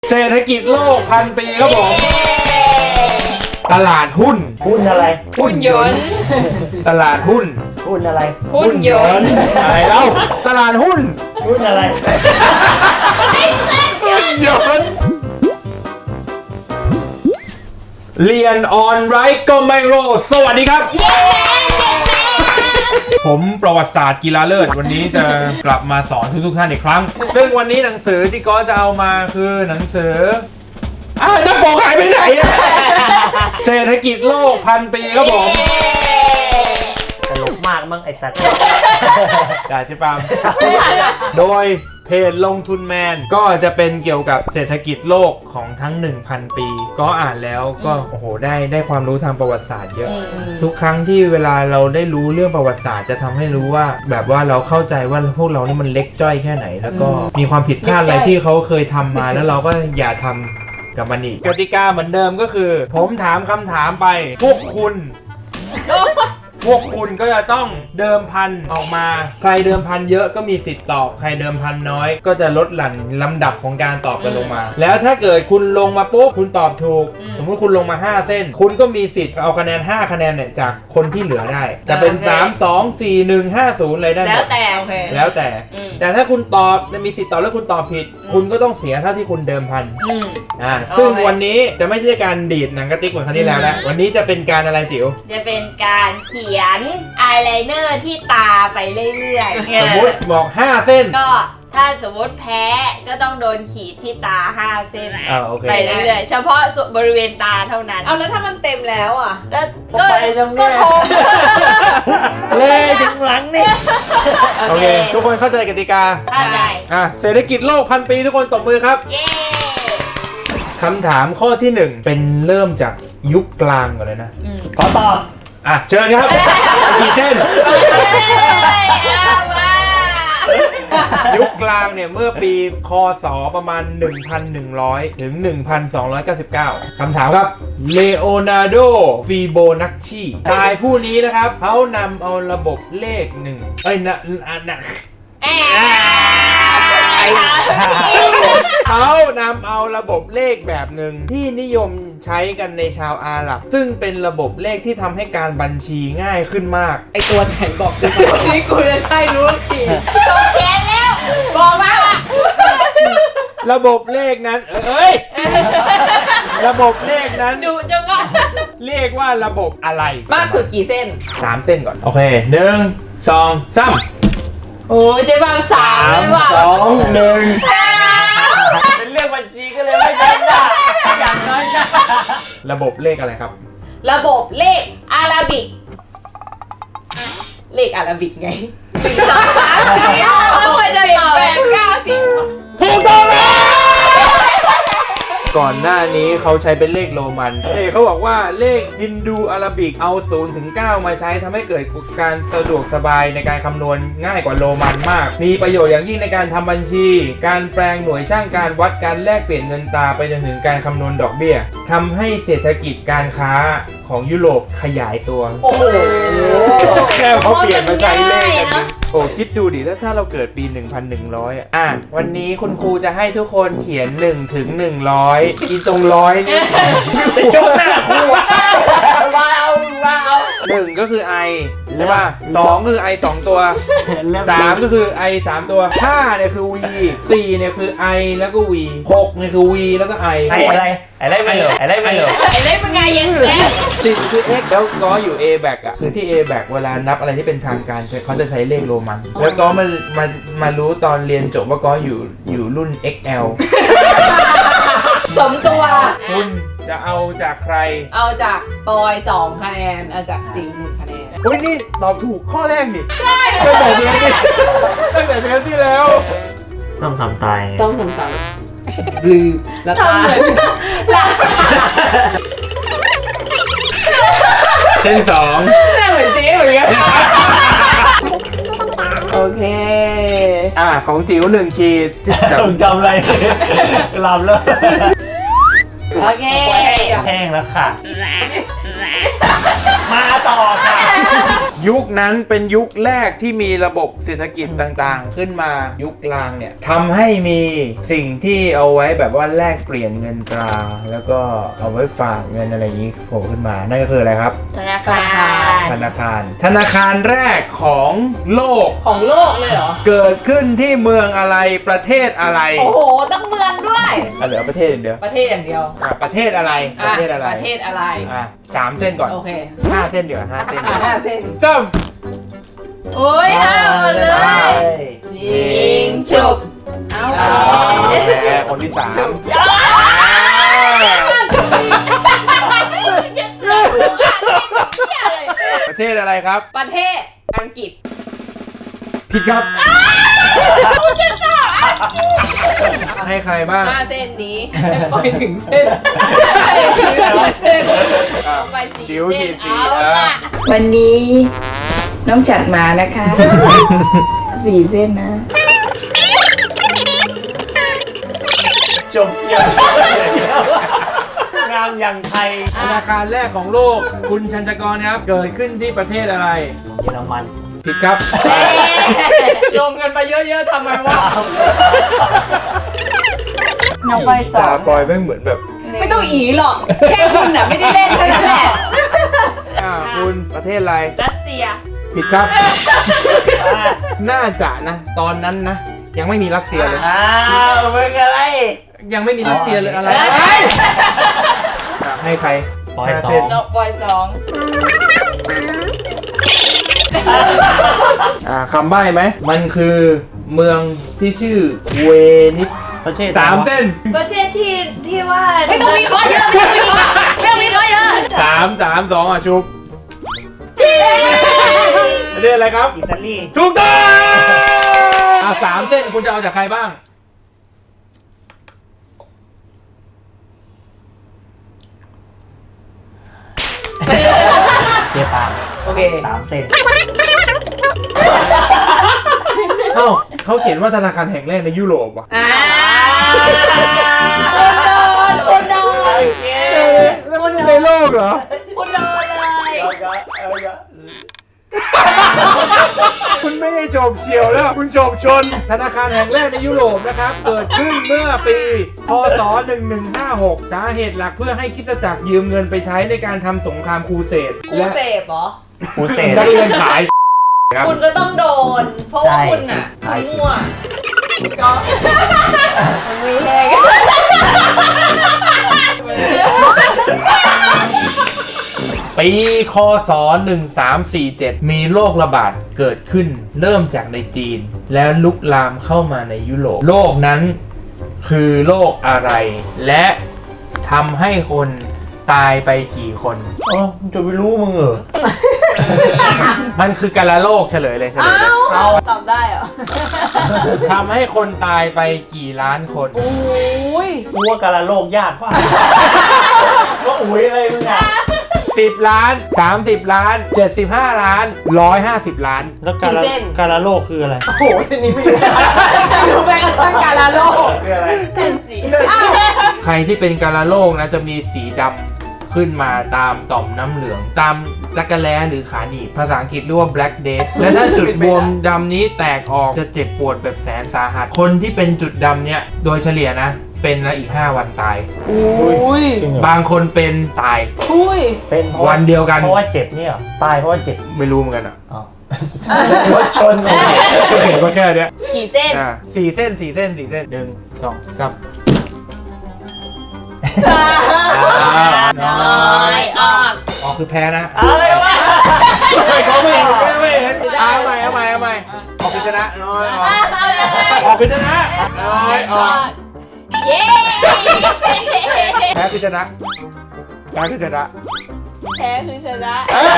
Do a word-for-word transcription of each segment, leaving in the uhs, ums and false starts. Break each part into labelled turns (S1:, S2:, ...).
S1: เศรษฐกิจโลกพันปีครับผมตลาดหุ้น
S2: หุ้นอะไร
S3: หุ่นยนต์
S1: ตลาดหุ้น
S2: หุ้นอะไร
S3: หุ่นยนต์
S1: อะไรเล่าตลาดหุ้น
S2: หุ้นอะไร
S1: หุ้นยนต์เรียนออนไรก็ไม่รู้สวัสดีครับผมประวัติศาสตร์กีฬาเลิศวันนี้จะกลับมาสอนทุกๆท่านอีกครั้งซึ่งวันนี้หนังสือที่ก็จะเอามาคือหนังสืออ้าวจะบอกหายไปไหนอะเศรษฐกิจโลกพันปีครับผม
S2: ตลกมากมั้งไอสัตว์
S1: จ่าชิปามโดยเพจลงทุนแมนก็จะเป็นเกี่ยวกับเศรษฐกิจโลกของทั้ง หนึ่งพัน ปีก็อ่านแล้วก็โอ้โหได้ได้ความรู้ทางประวัติศาสตร์เยอะทุกครั้งที่เวลาเราได้รู้เรื่องประวัติศาสตร์จะทำให้รู้ว่าแบบว่าเราเข้าใจว่าพวกเรานี่มันเล็กจ้อยแค่ไหนแล้วก็มีความผิดพลาดอะไรที่เขาเคยทำมาแล้วเราก็อย่าทำกับมันอีกกติกาเหมือนเดิมก็คือผมถามคำถามไปพวกคุณพวกคุณก็จะต้องเดิมพันออกมาใครเดิมพันเยอะก็มีสิทธิ์ตอบใครเดิมพันน้อยก็จะลดหลั่นลำดับของการตอบกันลงมาแล้วถ้าเกิดคุณลงมาปุ๊บคุณตอบถูกสมมุติคุณลงมาห้าเส้นคุณก็มีสิทธิ์เอาคะแนนห้าคะแนนเนี่ยจากคนที่เหลือได้จะเป็นสาม สอง สี่ หนึ่ง ห้า ศูนย์อะไรได้หม
S3: แล้ว
S1: ด
S3: แต่โอเค
S1: แล้วแต่แต่ถ้าคุณตอบมีสิทธิ์ตอบแล้วคุณตอบผิดคุณก็ต้องเสียเท่าที่คุณเดิมพัน
S3: อืม
S1: อ่าซึ่งวันนี้จะไม่ใช่การดีดหนังกระติกเหมือนครั้งที่แล้วแล้ววันนี้จะเป็นการอะไรจิ๋ว
S3: จะเป็นการเขียนอายไลเนอร์ที่ตาไปเรื่อยๆ
S1: สมมุติบอกห้าเส้น
S3: ก็ถ้าสมมติแพ้ก็ต้องโดนขีดที่ตาห้าเส้น
S1: อ่าโอเค
S3: ไปเรื่อยๆเฉพาะส่วนบริเวณตาเท่านั้น
S4: เอาแล้วถ้ามันเต็มแล้วอ่ะ
S3: แล้วก็
S2: ไปตรง
S3: ก็
S2: เนี้ย
S3: ทง
S2: เลยถึงหลังนี่
S1: โอเคทุกคนเข้าใจกติกา
S3: เข้าใจ
S1: อ่ะเศรษฐกิจโลกพันปีทุกคนตบมือครับ
S3: เย้
S1: คำถามข้อที่หนึ่งเป็นเริ่มจากยุคกลางก่อนเลยนะ
S2: ขอตอบ
S1: อ่ะเชิญครับกี่เส้น ยุคกลางเนี่ยเมื่อปีคศประมาณ หนึ่งพันหนึ่งร้อย ถึง หนึ่งพันสองร้อยเก้าสิบเก้า คำถามครับเลโอนาร์โดฟีโบนัชชีชายผู้นี้นะครับเขานำเอาระบบเลขหนึ่งเอ้ยนะนะนะเขานำเอาระบบเลขแบบหนึ่งที่นิยมใช้กันในชาวอาหรับซึ่งเป็นระบบเลขที่ทำให้การบัญชีง่ายขึ้นมาก
S4: ไอตัวไหนบอกกูวันนี้กูจะได้รู้ที
S3: จบแค่แล้ว
S4: บอกมาว่า
S1: ระบบเลขนั้นเอ้ย ระบบเลขนั้น
S3: ดูจังก็
S1: เรียกว่าระบบอะไร
S4: มากสุดกี่เส้น
S1: สามเส้นก่อน โอเคหนึ่งสองสาม
S3: โอ้ยเจ๊บางสามเลยว่ะ
S1: สองหนึ่ง
S2: เป็นเรื่องบัญชีก็เลยไม่เป็นนะอย่างน้อยนะ
S1: ระบบเลขอะไรครับ
S4: ระบบเลขอาราบิก เลขอาราบิกไงหนึ่งสองสามสี่ห้าหกเจ็ดแปดเก้าสิบ
S1: ถูกต้องแล้วก่อนหน้านี้เขาใช้เป็นเลขโรมันเอ้เขาบอกว่าเลขฮินดูอาราบิกเอาศูนย์ถึงเก้ามาใช้ทำให้เกิดการสะดวกสบายในการคำนวณง่ายกว่าโรมันมาก มีประโยชน์อย่างยิ่งในการทำบัญชี การแปลงหน่วยช่างการวัดการแลกเปลี่ยนเงินตราไปจนถึงการคำนวณดอกเบี้ยทำให้เศรษฐกิจการค้าของยุโรปขยายตัว
S4: โอ้โห
S1: แค่เขาเปลี่ยนมาใช้เลขกันนะโอ้คิดดูดิแล้วถ้าเราเกิดปี หนึ่งพันหนึ่งร้อย อ่ะอ่ะวันนี้คุณครูจะให้ทุกคนเขียนหนึ่งถึงหนึ่งร้อยอีตรงร้อยนี่
S2: จบหน้าครูว้าวว้าว
S1: หนึ่งก็คือ i ใช่ป่ะสองคือ i สองตัวสามก็คือ i สามตัวห้าเนี่ยคือ v สี่เนี่ยคือ i แล้วก็ v หกเนี่ยคือ v แล้วก็ i
S2: ไอ้อะไรอะไรไม่เหรออะไรไม่เหรอ
S3: ไอ้เล่นเป็นไงยังแก
S1: สิบคือ x แล้วก็อยู่ a back อ่ะคือที่ a back เวลานับอะไรที่เป็นทางการเขาจะใช้เลขโรมัน แล้วก็มามามารู้ตอนเรียนจบว่าก็อยู่อยู่รุ่น เอ็กซ์ แอล
S4: สมตัว
S1: คุณจะเอาจากใคร
S4: เอาจากปอยสองคะแนน เอาจากจีหนึ่งคะแนน
S1: เฮ้ยนี่ตอบถูกข้อแรกนี่ใช่ตั้งแต่เดือนที่ตั้งแต่เดือนที่แล้ว
S2: ต้องทำตาย
S4: ต้องทำตามลืมแล้วตา
S1: เส้นสอง
S4: หน้าเหมือนเจ๊เหมือนกันโอเค
S1: อ่ะของจิ๋วหนึ่งขีด
S2: มึงทำอะไรหลับแล้ว
S4: โอเค
S2: แห้งแล้วค่ะ มาต่อค่ะ
S1: ยุคนั้นเป็นยุคแรกที่มีระบบเศรษฐกิจต่างๆ ขึ้นมายุคกลางเนี่ยทำให้มีสิ่งที่เอาไว้แบบว่าแลกเปลี่ยนเงินตรา แล้วก็เอาไว้ฝากเงินอะไรอย่างนี้โผล่ขึ้นมานั่นก็คืออะไรครับ
S3: ธนาคาร
S1: ธนาคาร ธนาคารแรกของโลก
S4: ของโลกเลยเหรอ
S1: เกิดขึ้นที่เมืองอะไรประเทศอะไร
S4: โอ้โหต้องเมืองด้วย
S1: อ่ะเหลือประเทศอย่างเดียว
S4: ประเทศอย่างเดียว
S1: อ่ะประเทศอะไรประเทศอะไร
S4: ประเทศอะไร
S1: อ่ะสามเส้นก่อน
S4: โอเค
S1: ห้าเส้นเดี๋ยวห้าเส้น
S4: อ่ะ
S1: เดี๋ยว
S4: ห้าเส้น
S1: จ้ม
S4: โอ้ยห้าหมดเลยยิงฉุบเอา
S1: อ่าแหมคนที่สาม
S3: จะเสือกหัวอ่ะเที่ยเลย
S1: ประเทศอะไรครับ
S4: ประเทศอังกฤษ
S1: ผิดครับให้ใครบ้าง
S4: ห้าเส้นนี้ให้ปล่อยถึงเส้นให้ถึงเส้น
S1: อ่ะ
S3: ไปสี่
S1: จิ๋ว
S3: เส้
S1: ขี
S3: น
S1: ดสี
S3: เอา
S1: อ่ะ
S3: ละ
S5: วันนี้น้องจัดมานะคะ สี่เส้นนะ
S2: จบเกี่ยวงามอย่างไทย
S1: ธนาคารแรกของโลกคุณชัญชกรครับ เกิดขึ้นที่ประเทศอะไร
S2: เยอรมัน
S1: ผิดครับ
S4: รวมกันไปเยอะๆทำไมวะ
S5: น้องปอยสอ
S1: ตาง ปอยไม่เหมือนแบบ
S4: ไม่ต้องอีหรอก แค่คุณน่ะไม่ได้เล่นเท่านั้นแหละ
S1: อ่าคุณประเทศอะไร
S3: รัสเซีย
S1: ผิดครับ น่าจะนะ ตอนนั้นนะ ยังไม่มีรัสเซียเลย
S2: อ้าวมึงอะไร
S1: ยังไม่มีรัสเซียเลยอะไร
S3: เอ้ย
S1: อ่ะให้ใคร
S2: ปอย
S1: ห้า
S2: สอ
S1: เส้น
S2: ง
S4: นกบอยสอง
S1: อ่าคำใบ้ไหม มันคือเมืองที่ชื่อเวนิส
S2: ประเทศ
S1: สามเส้น
S3: ประเทศที่ที่ว่า
S4: ไม่ต้องมีข้อเยอะไม่ต้องมีข้อไม่ต้องมีข้อเยอะ
S1: สามสามสองอ่ะชุบประเทศอะไรครับ
S2: อิตาลี
S1: ถูกต้องอ่ะสามเส้นคุณจะเอาจากใครบ้าง
S2: เจแปน
S4: โอเค
S2: สามเส้น
S1: เอ้าเขาเขียนว่าธนาคารแห่งแรกในยุโรปว่ะ
S3: อ่า
S4: คุณโดนคุณโดน
S2: โอเค
S1: แล้วมันในโลกเหรอ
S4: คุณโดนเลย
S2: เอาก็เอาก็
S1: คุณไม่ได้โฉบเฉี่ยวแล้ว คุณโฉบชน ธนาคารแห่งแรกในยุโรปนะครับ เกิดขึ้นเมื่อปีพศหนึ่งหนึ่งห้าหกสาเหตุหลักเพื่อให้คริสตจักรยืมเงินไปใช้ในการทำสงครามครูเสด
S4: ครูเสพเหรอ
S2: กูเสร็จ
S1: นักเรียนขายครับ
S4: คุณก็ต้องโดน เพราะว่า
S2: ใช่
S4: คุณอ่ะ
S2: ใช่
S4: คุณมั่วก็
S3: มีแหง
S1: ปีคศหนึ่งสามสี่เจ็ดมีโรคระบาดเกิดขึ้นเริ่มจากในจีน แล้วลุกลามเข้ามาในยุโรปโรคนั้นคือโรคอะไร และทำให้คนตายไปกี่คน
S2: อ๋อจะไปรู้มึงเหรอ
S1: มันคือกาฬโรคเฉลยเลยเฉลยเลย
S4: เอาตอบได้เหรอ
S1: ทำให้คนตายไปกี่ล้านคน
S4: โอ้ย
S2: กูว่าการละโลกยากกว่าว่าอุ้ยอะไรมึงอ่ะ
S1: สิบล้านสามสิบล้านเจ็ดสิบห้าล้านหนึ่งร้อยห้าสิบล้าน
S2: แล้วการละการละโลกคืออะไร
S4: โอ้โหอันนี้ไม่รู้ไม่รู้แม้กระทั่งการลาโลก
S2: คืออะไร
S3: เป็นสี
S1: ใครที่เป็นกาฬโรคนะจะมีสีดำขึ้นมาตามต่อมน้ำเหลือง ตามจักรแล้หรือขาหนีบภาษาอังกฤษเรียกว่า black death และถ้าจุดบวมดำนี้แตกออกจะเจ็บปวดแบบแสนสาหัส คนที่เป็นจุดดำเนี่ยโดยเฉลี่ยนะ เป็นแล้วอีกห้าวันตาย
S4: อุ้ย
S2: จริงเหรอ
S1: บางคนเป็นตาย
S4: อุ้ย
S2: เป็นเพราะ
S1: วันเดียวกัน
S2: เพราะว่าเจ็บเนี่ยเหรอตายเพราะว่าเจ็บ
S1: ไม่รู้เหมือนกันอ่ะ
S2: อ๋อรถชนสิ
S1: ก็เห็นว่าแค่เนี้ย
S3: กี่เส้น
S1: อ่าสี่เส้นสี่เส้นสี่เส้นหนึ่งสองสาม
S3: น้อยออก
S1: อ๋อคือแพ้นะ
S2: อะไรวะ
S1: ไม่เขาไม่เห็นไม่ไม่เห็นเอาใหม่เอาใหม่เอาใหม่ออกคือชนะน้อยออกออกคือชนะน้อยออก
S3: เย้
S1: แพ้คือชนะแพ้คือชนะ
S3: แพ้คือชนะ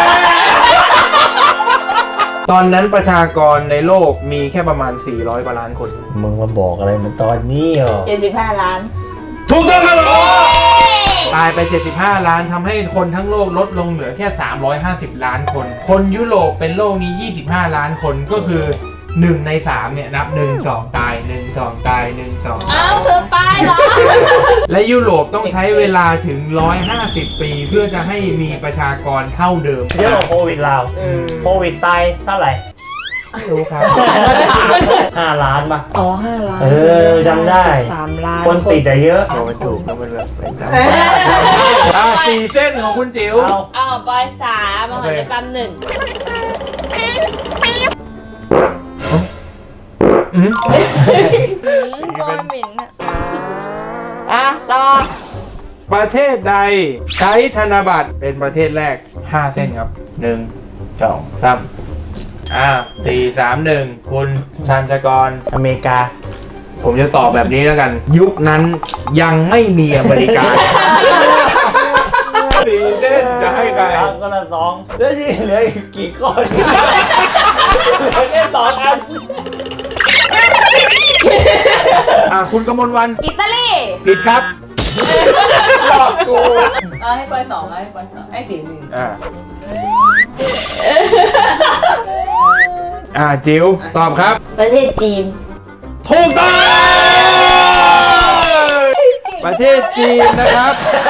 S1: ตอนนั้นประชากรในโลกมีแค่ประมาณสี่ร้อยกว่าล้านคน
S2: มึงมาบอกอะไรมันตอนนี้เหรอ
S3: เจ็ดสิบห้าล้าน
S1: ถูกต้องครับผมตายไปเจ็ดสิบห้าล้านทำให้คนทั้งโลกลดลงเหลือแค่สามร้อยห้าสิบล้านคน คนยุโรปเป็นโรคนี้ยี่สิบห้าล้านคนก็คือหนึ่งในสามเนี่ยนับหนึ่งสองตายหนึ่งสองตายหนึ่งสอง
S4: อ้าวเธอตายเหรอ
S1: และยุโรปต้องใช้เวลาถึงหนึ่งร้อยห้าสิบปีเพื่อจะให้มีประชากรเท่าเดิม
S2: เยอะกว่าโควิดเรา
S3: เออ
S2: โควิดตายเท่าไหร่
S1: รู้ครับ
S2: ห้าล้านป่ะ
S5: อ๋อห้าล้าน
S2: เออจำได้
S5: สามล้าน
S2: คนติดอะเยอะ
S1: โอ้มันถูกแล้วมันแบบเป็นจำอ่ะสี่เส้นของคุณจิ๋ว
S2: เอา
S3: เอาบอยสามเอาของเจ๊ปั๊มหนึ่ง
S1: อืม
S4: บอยหมิ่นอะ
S3: อ่ะรอ
S1: ประเทศใดใช้ธนบัตรเป็นประเทศแรกห้าเส้นครับหนึ่งสองสามอ่าสี่สามหนึ่งคุณชันชกร
S2: อเมริกา
S1: ผมจะตอบแบบนี้แล้วกัน ยุคนั้นยังไม่มีอเมริกาสี่เส้นจะให้ใคร
S2: ครับก็ละสองแล้วที่เหลืออีกกี่ก้อนเหลือแค่สองอัน
S1: อ่ะคุณกมลวัน
S3: อิตาลี
S1: ผิดครับหลอกกู
S4: เอาให้บอยสองเอาให้บอยสองให้จิ๋วหนึ่ง
S1: อ่าอ่าจิ๋วตอบครับ
S3: ประเทศจีน
S1: ถูกต้องประเทศจีนนะครับ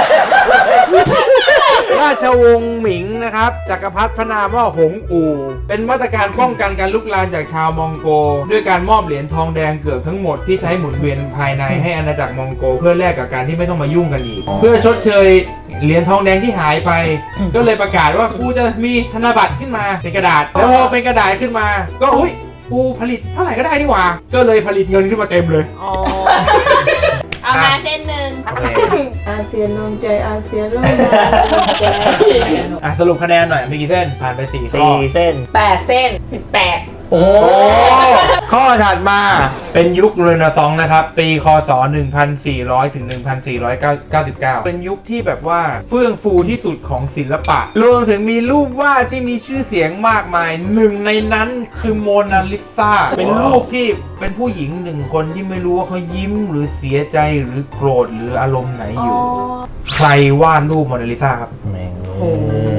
S1: ราชวงศ์หมิงนะครับจักรพรรดิพระนามว่าหงอู่เป็นมาตรการป้องกันการลุกลามจากชาวมองโกด้วยการมอบเหรียญทองแดงเกือบทั้งหมดที่ใช้หมุนเวียนภายในให้อาณาจักรมองโกเพื่อแลกกับการที่ไม่ต้องมายุ่งกันอีก เพื่อชดเชยเหรียญทองแดงที่หายไป ก็เลยประกาศว่ากูจะมีธนบัตรขึ้นมาเป็นกระดาษแล้วพอเป็นกระดาษขึ้นมา ก็อุ้ยกูผลิตเท่าไหร่ก็ได้นี่หว่าก็เลยผลิตเงินขึ้นมาเต็มเลย
S3: อ๋อ เอามาเส้นหนึ่ง
S5: อาเซียนรวมใจอาเซียนรวมใจ
S1: อ่ะสรุปคะแนนหน่อยมีกี่เส้นผ่านไปสี่ข้อ
S2: สี่เส้น
S4: แปดเส้น
S3: สิบแปด
S2: โอ้โห
S1: ข้อถัดมาเป็นยุคเรเนซองส์นะครับ ปีคศ หนึ่งพันสี่ร้อย ถึง หนึ่งพันสี่ร้อยเก้าสิบเก้า เป็นยุคที่แบบว่าเฟื่องฟูที่สุดของศิลปะ รวมถึงมีรูปวาดที่มีชื่อเสียงมากมาย หนึ่งในนั้นคือโมนาลิซาเป็นรูปที่เป็นผู้หญิงหนึ่งคนที่ไม่รู้ว่าเขายิ้มหรือเสียใจหรือโกรธหรืออารมณ์ไหนอยู่ ใครวาดรูปโมนาลิซาครับ
S2: แม่ง
S5: โอ้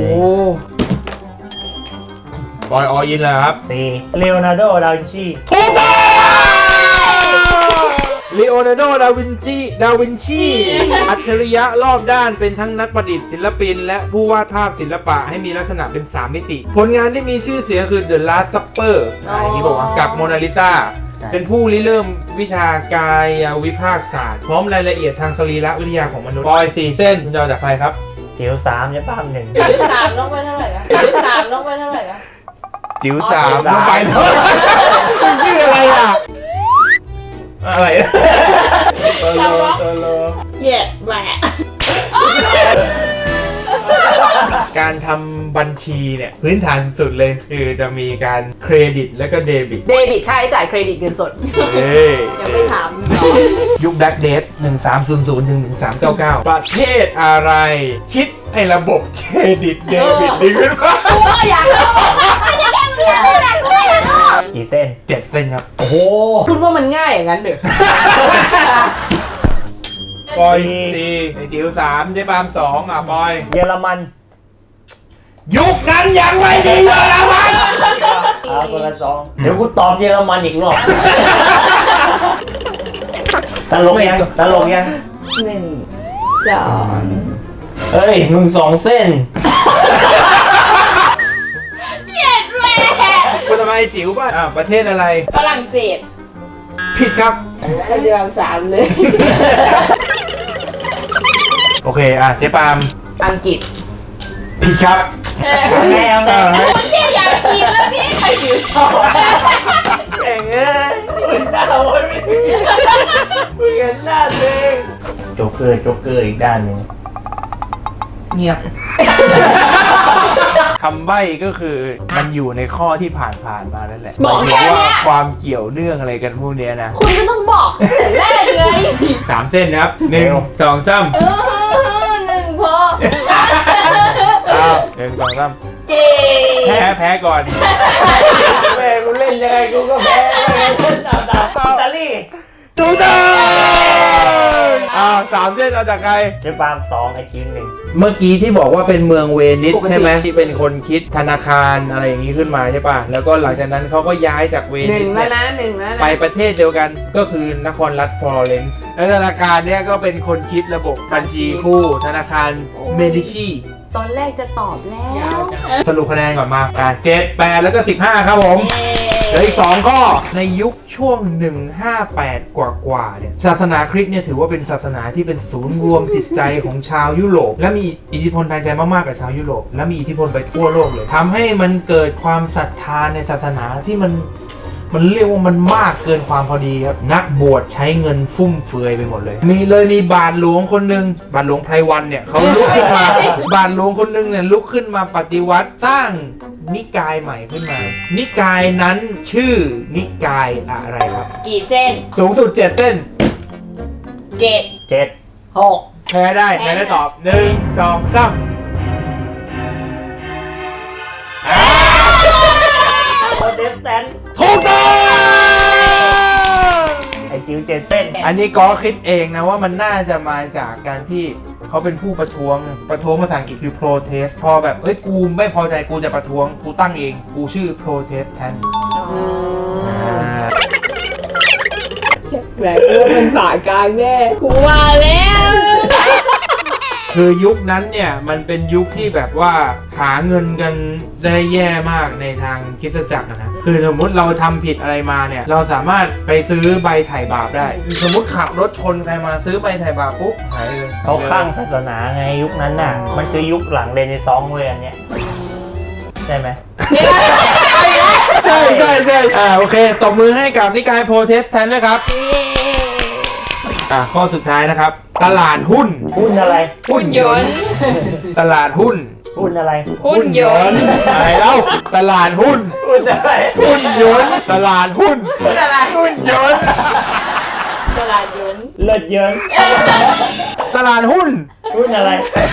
S1: บอยออินเลยครับ
S2: สี่เลโอนาร์โด ดาวินชี
S1: ถูกต้องลีโอนาร์โด ดาวินชี ดาวินชี อัจฉริยะรอบด้านเป็นทั้งนักประดิษฐ์ศิลปิน และผู้วาดภาพศิลปะให้มีลักษณะเป็นสามมิติ ผลงานที่มีชื่อเสียงคือ The Last Supper อ่าอย่างนี้บอกว่ากับโมนาลิซา เป็นผู้ริเริ่มวิชากายวิภาคศาสตร์ พร้อมรายละเอียดทางสรีรวิทยาของมนุษย์บอยสี่เส้นคุณจะเอาจากใครครับ
S2: จิ๋วสามเจ๊ป้ามหนึ่ง
S3: จิ๋วสามลงไปเท่าไหร่นะจิ๋วสามลงไปเท่าไหร่นะ
S1: จิ๋วสาม
S2: อ๋อจิ๋วสาม
S1: ลงไปเท่าไหร่คุณชื่ออะไรอ่ะ อะไร
S3: เราล็อกเหยียดแหวะ
S1: การทำบัญชีเนี่ยพื้นฐานสุดเลยคือจะมีการเครดิตและก็เดบิต
S4: เดบิตค่าใช้จ่ายเครดิตเงินสด
S1: เอ้ย
S4: ยังไม่ถาม
S1: ยุคแบล็กเดทหนึ่งสามศูนย์ศูนย์ถึงหนึ่งสามเก้าเก้าประเทศอะไร คิดให้ระบบเครดิตเดบิตดีขึ้นมา
S4: กูก็อยากรู้
S2: กี่เส้น
S1: เจ็ดเส้นครับ
S2: โอ้โห
S4: คุณว่ามันง่ายอย่างนั้นเหรอ
S1: บอยสี่ไอจิ๋วสามเจ๊ปาล์มสองอ่ะบอย
S2: เยอรมัน
S1: ยุคนั้นยังไม่ดีเยอรมัน
S2: เอาคนละสองเดี๋ยวกูตอบเยอรมันอีกรอบตลกยังตลกยัง
S5: หนึ่งสอง
S2: เฮ้ย มึงสองเส้น
S3: เหยียดแหวะ
S1: คุณทำไมจิ๋วป่ะอ่ะประเทศอะไร
S3: ฝรั่งเศส
S1: ผิดครับ
S3: แล้วเดือนสามเลย
S1: โอเคอ่ะเจ๊ปาล์ม
S4: อังกฤษ
S1: ผิดครับ
S2: เอาไงเอาไง
S3: คนที่อยากกินแล้วพี่ใครจิ๋วสอง
S2: แข่งเอ้ยมึงหน้าโอ้ยไม่มึงเห็นหน้าตัวเองโจ๊กเกอร์โจ๊กเกอร์อีกด้านหนึ่ง
S4: เงียบ
S1: คำใบ้ก็คือมันอยู่ในข้อที่ผ่านผ่านๆมานั่นแหละ
S3: บอกแค่
S1: หมายถึง
S3: เนี้
S1: ว่าย ความเกี่ยวเนื่องอะไรกันพวกเนี้ยนะ
S3: คุณก็ต้องบอกตั้งแต่แรกไง
S1: สามเส้นนะครับหนึ่งสองสาม
S3: เออหนึ่งพอ
S1: อ้าวหนึ่งสองสาม
S3: เจ๊
S1: แพ้แพ้ก่อน
S2: แม่กูเล่นยังไงกูก็แพ้ไม่งั้นเล่นดาวดาวอิตาลี
S1: ถูกต้องอ่าสามเส้นเอาจากใคร
S2: เจ๊ปาล์มสองไอ้จิ๋วหนึ่ง
S1: เมื่อกี้ที่บอกว่าเป็นเมืองเวนิสใช่ไหมที่เป็นคนคิดธนาคารอะไรอย่างนี้ขึ้นมาใช่ป่ะแล้วก็หลังจากนั้นเขาก็ย้ายจากเว
S4: ห
S1: นิ
S4: นึ่
S1: ส
S4: งแล้ว
S1: เนี่ย
S4: นะหนึ่งแล้วนะ
S1: ไปประเทศเดียวกันก็คือนครรัฐฟลอเรนซ์และธนาคารเนี่ยก็เป็นคนคิดระบบบัญชีคู่ธนาคารเมดิชี
S4: ตอนแรกจะตอบแล้ว
S1: สรุปคะแนนก่อนมาอ่ะเจ็ด แปด แล้วก็ สิบห้า ครับผมเหลืออีกสองข้อในยุคช่วงหนึ่งห้าแปดกว่าๆเนี่ยศาสนาคริสต์เนี่ยถือว่าเป็นศาสนาที่เป็นศูนย์รวมจิตใจของชาวยุโรปและมีอิทธิพลทางใจมากๆกับชาวยุโรปและมีอิทธิพลไปทั่วโลกเลยทำให้มันเกิดความศรัทธาในศาสนาที่มันมันเรียกว่ามันมากเกินความพอดีครับนักบวชใช้เงินฟุ่มเฟือยไปหมดเลยมีเลยมีบาทหลวงคนหนึ่งบาทหลวงไพรวันเนี่ยเขาลุกขึ้นมา บาทหลวงคนหนึ่งเนี่ยลุกขึ้นมาปฏิวัติสร้างนิกายใหม่ขึ้นมา นิกายนั้นชื่อนิกายอะไรครับ
S3: กี่เส้น
S1: สูงสุดเจ็ดเส้น
S3: เจ็ด
S2: เจ็ด
S3: หก
S1: แพ้ได้แพ้ได้ตอบหนึ่งสองสาม
S2: โปรเตสแตนต์
S1: ถูกต้อง
S2: ไอ้จิ๋วเจ็ดเส้น
S1: อันนี้ก็คิดเองนะว่ามันน่าจะมาจากการที่เขาเป็นผู้ประท้วงประท้วงภาษาอังกฤษคือ protest พอแบบเฮ้ยกูไม่พอใจกูจะประท้วงกูตั้งเองกูชื่อ protestant
S4: อืม
S1: อ่า
S4: แหมกูว่าเป็นฝากลางแน่กูว่าแล้ว
S1: คือยุคนั้นเนี่ยมันเป็นยุคที่แบบว่าหาเงินกันได้แย่มากในทางคริสตจักรอะนะคือสมมุติเราทำผิดอะไรมาเนี่ยเราสามารถไปซื้อใบไถ่บาปได้ สมมุติขับรถชนใครมาซื้อใบไถ่บาปปุ๊บหายเลย
S2: เขาข้างศาสนาไงยุคนั้นน่ะ มันคือยุคหลังเรเนซองส์เว้ยอันเนี้ยใช่ไหม
S1: ใช่ใช่ใช่อ่าโอเคตบมือให้กับนิกายโปรเทสแทนต์ด้วยครับอ่าข้อสุดท้ายนะครับ ตลาดหุ้น
S2: หุ้นอะไร
S4: หุ่นยนต์
S1: ตลาดหุ้น
S2: หุ้นอะไร
S4: หุ่นยนต์
S1: อะไรเล่าตลาดหุ้น
S2: หุ้นอะไร
S1: หุ้นยนต์ตลาดหุ้น
S4: หุ่นอะไร
S1: หุ้นยนต์
S3: ตลาดยนต์
S2: เลิศเยิน
S1: ตลาดหุ้น
S2: หุ้นอะไร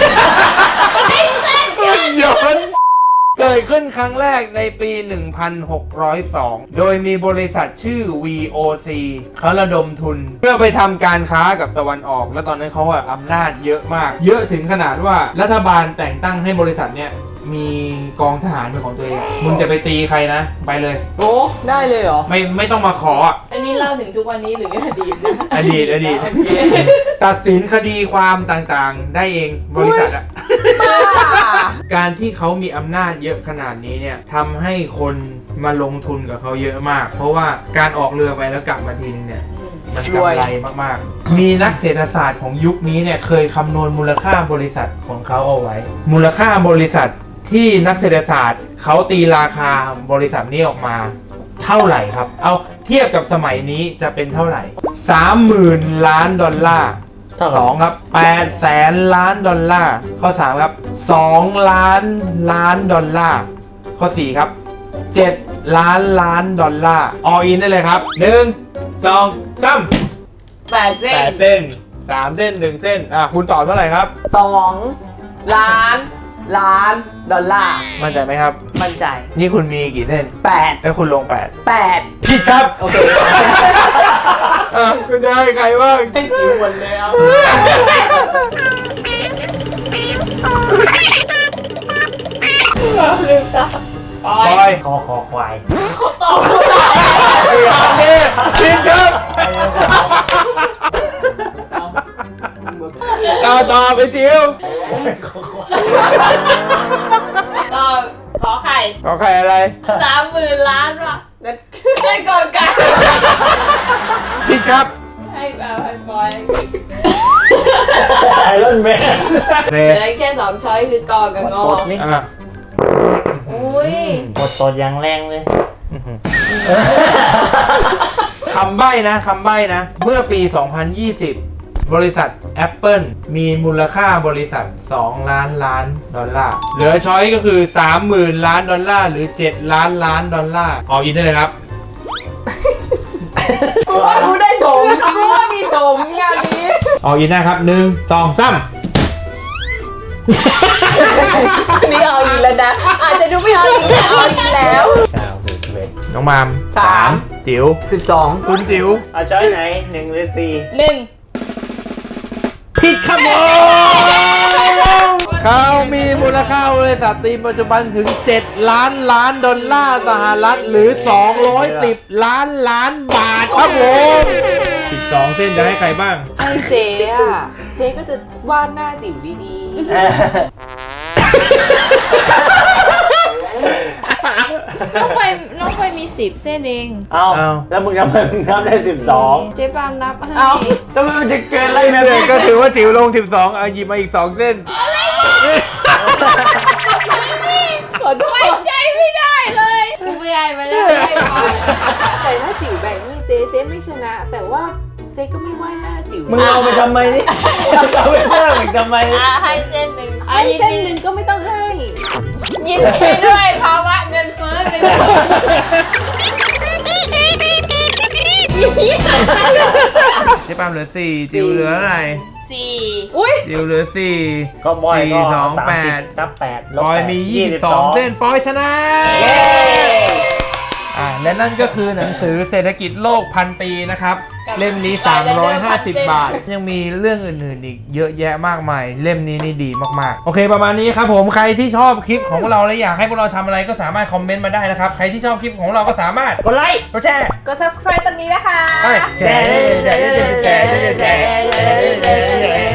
S1: หุ้นยนต์เกิดขึ้นครั้งแรกในปี หนึ่งพันหกร้อยสอง โดยมีบริษัทชื่อ วี โอ ซี เขาระดมทุน เพื่อไปทำการค้ากับตะวันออก และตอนนั้นเขาอะอำนาจเยอะมาก เยอะถึงขนาดว่ารัฐบาลแต่งตั้งให้บริษัทเนี้ยมีกองทหารเป็นของตัวเอง มึงจะไปตีใครนะ ไปเลย
S4: โอ้ได้เลยเหรอ
S1: ไม่ไม่ต้องมาขออะ
S3: อันนี้เล่าถึงทุกวันนี้หรืออดีตนะ
S1: อดีตอดีต ตัดสินคดีความต่างๆ ได้เองบริษัทอะ การที่เขามีอำนาจเยอะขนาดนี้เนี่ยทำให้คนมาลงทุนกับเขาเยอะมาก เพราะว่าการออกเรือไปแล้วกลับมาทีนึงเนี่ยมันกำไรมากๆ มีนักเศรษฐศาสตร์ของยุคนี้เนี่ยเคยคำนวณมูลค่าบริษัทของเขาเอาไว้ มูลค่าบริษัทที่นักเศรษฐศาสตร์เขาตีราคาบริษัทนี้ออกมาเท่าไหร่ครับ เอาเทียบกับสมัยนี้จะเป็นเท่าไหร่ สามหมื่น ล้านดอลลาร์ สองครับแปดแสนล้านดอลลาร์ข้อสามครับสองล้านล้านดอลลาร์ข้อสี่ครับเจ็ดล้านล้านดอลลาร์ออินได้เลยครับหนึ่งสองสาม
S4: แปดเส้
S1: แป
S4: น
S1: ดเส้นสามเส้นหนึ่งเส้นอ่ะคุณตอบเท่าไหร่ครับ
S4: สองล้านล้านดอลลาร์
S1: มั่นใจไหมครับ
S4: มั่นใจ
S1: นี่คุณมีกี่เส้น
S4: แปด
S1: แล้วคุณลงแปด
S4: แปด
S1: ผิดครับ
S4: โอเค
S1: อ่ะคุณจะให้ใครบ้าง
S4: ให้จิ๋วหมดเลยอ่ะ
S3: ปอ
S1: บ
S3: ย
S1: อย
S2: คอคอควาย
S3: ตอบถูก
S1: โอเคผิดครับต่อต่อไปจิ๋ว
S3: ตอบขอไข่
S1: ขอใครอะไร
S3: สามหมื่นล้านว่ะนั่นนั่นก่อนกัน
S1: ผิดครับ
S3: ให้แบบให้บอย
S2: ไอรอนแมน
S1: เร
S3: เหลือแค่สองช้อยคือกอกับงอ
S2: กดนี่
S1: อ่ะ
S3: อุ้ย
S2: กดตดอย่างแรงเลย
S1: คำใบ้นะคำใบ้นะ เมื่อปี สองพันยี่สิบ บริษัท Apple มีมูลค่าบริษัท สองล้านล้านดอลลาร์ เหลือช้อยก็คือ สามหมื่น ล้านดอลลาร์ หรือ เจ็ด ล้านล้านดอลลาร์ออกอินได้เลยครับ
S4: กูว่ากูได้ถมกูว่ามีถมงานนี้
S1: ออกอินได้ครับหนึ่งสองสาม
S4: นี่เอาอีกแล้วนะ อาจจะดูไม่เอาอีกแต่เอาอีกแล้ว
S2: เก้าสิบสิบเอ็ด
S1: น้องมาม
S4: สาม
S1: จิ๋ว
S4: สิบสอง
S1: คุณจิ๋ว
S2: เอาช้อยไหนหนึ่งหรือสี่
S3: หนึ่ง
S1: ผิดครับผม เขามีมูลค่าบริษัทตีมปัจจุบันถึง เจ็ด ล้านล้านดอลลาร์สหรัฐหรือ สองร้อยสิบ ล้านล้านบาทครับผมสิบสองเส้นจะให้ใครบ้าง
S4: ไอเจ๊อะเจ๊ก็จะวาดหน้าจิ๋วดี
S5: น้องไปน้องไปมีสิบเส้นเอง
S2: เอา
S1: เอา
S2: แล้วมึงทำไมมึงนับได้สิบสอง
S5: เจ๊ปามนับให้
S4: ๆ เอา
S2: ทำไมมันจะเกินอะไร
S1: ไม่
S2: นะ
S1: เลยก็ถือว่าจิ๋วลงสิบสองเอาหยิบมาอีกสองเส้น
S4: ขอโทษ
S5: ใจไม่ได้เลยไม่ได้ไม่ได้ไม่ได้
S4: แต่ถ้าจิ๋วแบ่งให้เจ๊เจ๊ไม่ชนะ แต่ว่าเจ๊ก็ไม่วาดหน้าจิ๋ว
S2: มึงเอาไปทำไมนี่เอาไปเพิ่มอีกทำไม
S3: อ่ะให้เส้นหนึ่ง
S4: ให้เส้นหนึ่งก็ไม่ต้องให้
S3: ยินดีด้วยภาวะเงินเฟ้อเป็น
S1: เจ๊ปามเหลือสี่จิ๋วเหลืออะไร
S3: สี่
S4: อุ้ย
S1: จิ๋วเหลือสี่
S2: ก็บอยก็
S1: สี่สอง
S2: สาม
S1: แป
S2: สิบ
S1: ด
S2: นับแปดล
S1: ป
S2: บ
S1: อย
S2: แปด
S1: มียี่สิบสองเส้นปอยชนะ
S2: เย้
S1: อ่าและนั่นก็คือหนังสือเศรษฐกิจโลกพันปีนะครับ เล่มนี้ สามร้อยห้าสิบ บาท ยังมีเรื่องอื่นๆอีกเยอะแยะมากมาย เล่มนี้นี่ดีมากๆ โอเคประมาณนี้ครับผมใครที่ชอบคลิปของพวกเราและอยากให้พวกเราทำอะไรก็สามารถคอมเมนต์มาได้นะครับ ใครที่ชอบคลิปของเราก็สามารถ
S2: กดไลค์
S1: กดแชร์
S3: กด subscribe ตรงนี้นะคะ
S1: ไปแชร์แชร์แชร์แชร์แชร์แชร์